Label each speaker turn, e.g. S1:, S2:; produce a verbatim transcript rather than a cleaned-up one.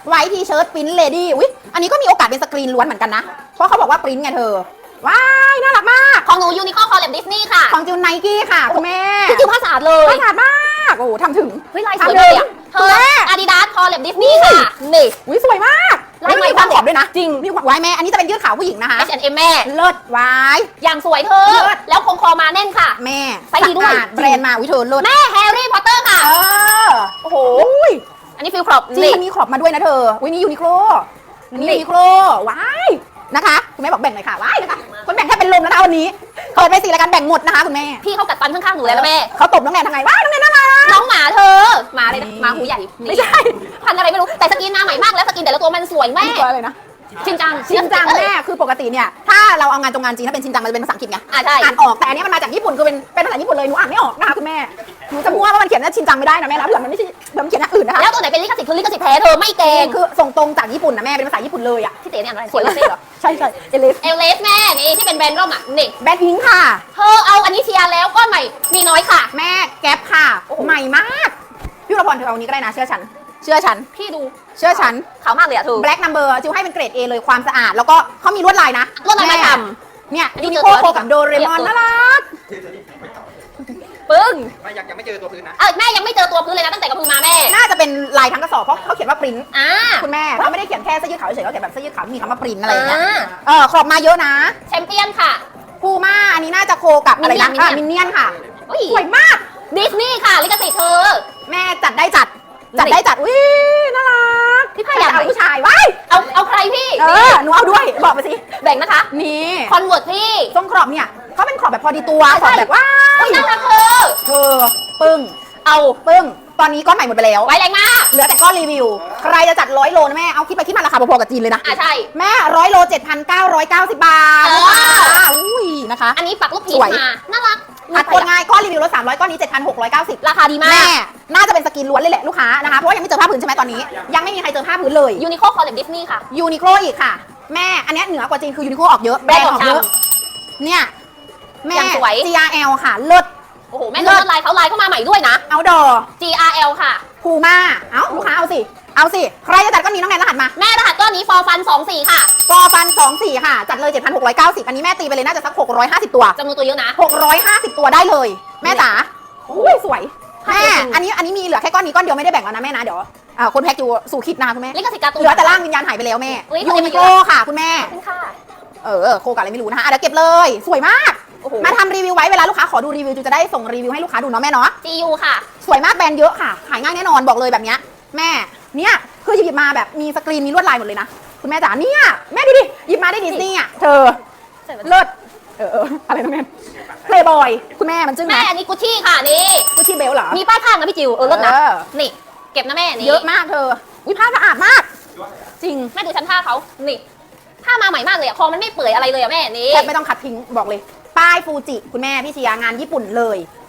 S1: ไว้ทีเชิ้ตปริ้นเลดี้อุ๊ยอันนี้ก็มีโอกาสเป็นสกรีนล้วนเหมือนกันนะเพราะเขาบอกว่าปริ้นไงเธอว้ายน่ารักมาก
S2: ของหนูยูนิคอร์คอลแลบดิสนีย์ค่ะ
S1: ของจิวไนกี้ค่ะคุณแม่
S2: พี่จิวภาษาเลย
S1: ภาษามากโอ้ทำถึง
S2: เฮ้ยลายสวยเลยอ่ะเธออาดิดาสคอลแลบดิสนีย์ค่ะนี่
S1: อุ้ยสวยมาก
S2: ลายใหม่
S1: ความขอบด้วยนะจริงมีไว้แม่อันนี้จะเป็นยืดขาวผู้หญิงนะคะ
S2: เอช แอนด์ เอ็ม แม่
S1: เลิศไว้
S2: อย่างสวยเธอแล้วคงคอมาแน่นค่ะ
S1: แม่
S2: ไซส์ดีด้วย
S1: แบรนด์มาวิเธอเลิศ
S2: แม่แฮร์รี่พอตเตอร์ค่ะ
S1: เออ
S2: โอ้โหอันนี้ฟิลครอบ
S1: จริงมีขอบมาด้วยนะเธอวินี่ยูนิโคลนี่ยูนิโคลว้ายนะคะคุณแม่บอกแบ่งหน่อยค่ะว้ายนะคะคนแบ่งแค่เป็นลมนะคะวันนี้เปิดไปสี่รายการแบ่งหมดนะคะคุณแม่
S2: พี่เขากัดฟันข้างๆหนูแล้วแม่
S1: เขาตบน้องแนนทางไงว้ายน้องแนนน่ารัก
S2: น้องหมาเธอหมาเลยนะหมาหูใหญ่
S1: ไม่ใช่
S2: พันอะไรไม่รู้แต่สกินหน้าใหม่มากแล้วสกินแต่ละตัวมันสวยแม่
S1: ตัวอะไรนะ
S2: ชินจัง
S1: ชินจังแม่คือปกติเนี่ยถ้าเราเอางานตรงงานจีนถ้าเป็นชินจังมันจะเป็นภาษาอังกฤษไง
S2: อ่าใช่
S1: อ่านออกแต่อันนี้มันมาจากญี่ปุ่นคือเป็นเป็นภาษาญี่ปุ่นเลยหนูอ่านไม่ออกนะคะคุณแม่หนูจะมั่วว่ามันเขียนว่าชินจังไม่ได้นะแม่นะเผื่อมันไม่ใช่เผื่อมันเขียนอย่างอื่นนะคะ
S2: แล้วตัวไหนเป็นลิขสิทธิ์คือลิขสิทธิ์แท้เธอไม่เก่ง
S1: คือส่งตรงจากญี่ปุ่นนะแม่เป็นภาษาญี่ปุ่นเลยอ่ะ
S2: ที่เต๋เนี่ยอะไร
S1: สวยเลยเหรอใช่ใช่เอเลส
S2: เอลเลสแม่นี่ที่เป็นแบรนด์ร่มอ่ะนี่
S1: แบรนด์พิงค์ค่ะ
S2: เธอเอาอันนี้เชียร์แล้วก็ใหม่มีน้อยค่ะ
S1: แม่แก๊ปค่ะใหม่มากพี่วรพรเธอเอาอันนี้ก็ได้นะเชื่อฉันเชื่อฉัน
S2: พี่ดู
S1: เชื่อฉัน
S2: ขาวมากเลยอะเธอ
S1: black number จิวให้เป็นเกรด A เลยความสะอาดแล้วก็เขามีลวดลายนะ
S2: ลวดลายไม่ท
S1: ำเนี่ยยูนิโคโคกับโดเรมอนน่ารัก
S2: ปึ้ง
S3: ไม่ยังยังไม่เจอตัวพื้นนะ
S2: เออแม่ยังไม่เจอตัวพื้นเลยนะตั้งแต่กระพือมาแม่
S1: น่าจะเป็นลายทั้งกระสอบเพราะเขาเขียนว่าปริ้น
S2: อ่า
S1: คุณแม่เขาไม่ได้เขียนแค่เสื้อยืดขาวเฉยเขาเขียนแบบเสื้อยืดขาวมีคำว่าปริ้นอะไรอย่างเงี้ยเออขอบมาเยอะนะ
S2: แชมเปี้ยนค่ะ
S1: พูม่าอันนี้น่าจะโคกับอะไรนะมินเนี่ยนค่ะสวยมาก
S2: ดิสนีย์ค่ะลิขสิทธิ์เธอ
S1: แม่จัดได้จัดจัดได้จัดอุ้ยน่ารัก
S2: พี่พายอยาก
S1: เอาผู้ชายว้าย
S2: เอาเอาใครพี่
S1: เออหนูเอาด้วยบอกมาสิ
S2: แบ่งนะคะ
S1: นี่
S2: คอนเวิร์ตพี่
S1: ทรงขอบเนี่ยเขาเป็นขอบแบบพอดีตัวขอบแบบว่า
S2: น่ารักเธอ
S1: เธอปึ้ง
S2: เอา
S1: ปึ้งตอนนี้ก้อนใหม่หมดไปแล้ว
S2: ไว้แรงมาก
S1: เหลือแต่ก้อนรีวิวใครจะจัดร้อยโลนะแม่เอาคิดไปคิดมาราคาพอๆกับจีนเลยนะ
S2: อ่าใช่
S1: แม่ร้อยโลเจ็ดพันเก้าร้อยเก้าสิบบาทอุ้ยนะคะ
S2: อันนี้ปักลูกผีมาน่ารัก
S1: อัดโอนง่ายก้อนรีวิวลดสามร้อยก้อนนี้เจ็ดพันหกร้อยเก้าสิบ
S2: ราคาดีมาก
S1: แม่น่าจะเป็นสกินล้วนเลยแหละลูกค้านะคะเพราะว่ายังไม่เจอผ้าผืนใช่ไหมตอนนี้ยังไม่มีใครเจอผ้าผืนเลย
S2: ยูนิโคคอลเลบดิสนีย์ค่ะ
S1: ยูนิโคอีกค่ะแม่อันนี้เหนือกว่าจีนคือยูนิโคออกเยอะแบรนด์ออกเยอะเนี่ยแม่ จี อาร์ แอล ค่ะเลิศ
S2: โอ้โหแม่เลิศลายเขาลายเข้ามาใหม่ด้วยนะ
S1: เอาดอ
S2: จี อาร์ แอล ค่ะ
S1: พูม่าเอ้าลูกค้าเอาสิเอาสิใครจะจัดก้อนนี้น้องแนนรหัสมา
S2: แม่รหัสก้อนนี้ฟอร์ฟันสองสี่ค่ะ
S1: ฟอร์ฟันสองสี่ค่ะจัดเลย เจ็ดพันหกร้อยเก้าสิบ อันนี้แม่ตีไปเลยน่าจะสักหกร้อยห้าสิบตัว
S2: จำนวนตัวเยอะนะ
S1: หกร้อยห้าสิบตัวได้เลยแม่จ๋าอุ้ยสวยแม่อันนี้อันนี้มีเหลือแค่ก้อนนี้ก้อนเดียวไม่ได้แบ่งแล้วนะแม่นะเดี๋ยวอ่าคนแพ็กอยู่สู่คิดนะคุณแม่
S2: ลิขสิทธิ์การ์ตูน
S1: เหลือแต่ร่างวิญญาณหายไปแล้วแม่ยูนิโคค่ะคุณแม่เออโคกับอะไรไม่รู้นะคะเดี๋ยวเก็บเลยสวยมากมาทำรีวิวไว้เวลาลูกค้าขอดูรีวิวจูจะได้ส่งรีวิวให้ลูกค้าดูเนาะแม่เนาะ
S2: จี ยู ค่ะ
S1: สวยมากแบรนด์เยอะค่ะขายง่ายแน่นอนบอกเลยแบบเนี้ยแม่เนี่ยคือหยิบมาแบบมีสกรีนมีลวดลายหมดเลยนะคุณแม่จ๋าเนี่ยแม่ดูดิหยิบมาได้ดิสนีย์อ่ะเธอเลิศเอออะไรนะแม่เพลย์บอยคุณแม่มันจึ้ง
S2: แม่อันนี้กุชชี่ค่ะนี่
S1: กุชชี่เบลเหรอ
S2: มีป้ายข้างนะพี่จิวเออเลิศนะนี่เก็บนะแม่นี่
S1: เยอะมากเธอวิผ้าสะอาดมากจริง
S2: แม่ดูชั้นผ้าเขานี่ผ้ามาใหม่มากเลยอะคอมันไม่เปื่อยอะไรเลยอะแม่นี่
S1: แทบไม่ต้องคัดทิ้งบอกเลยป้ายฟูจิคุณแม่พี่เชียร์งานญี่ปุ่นเลย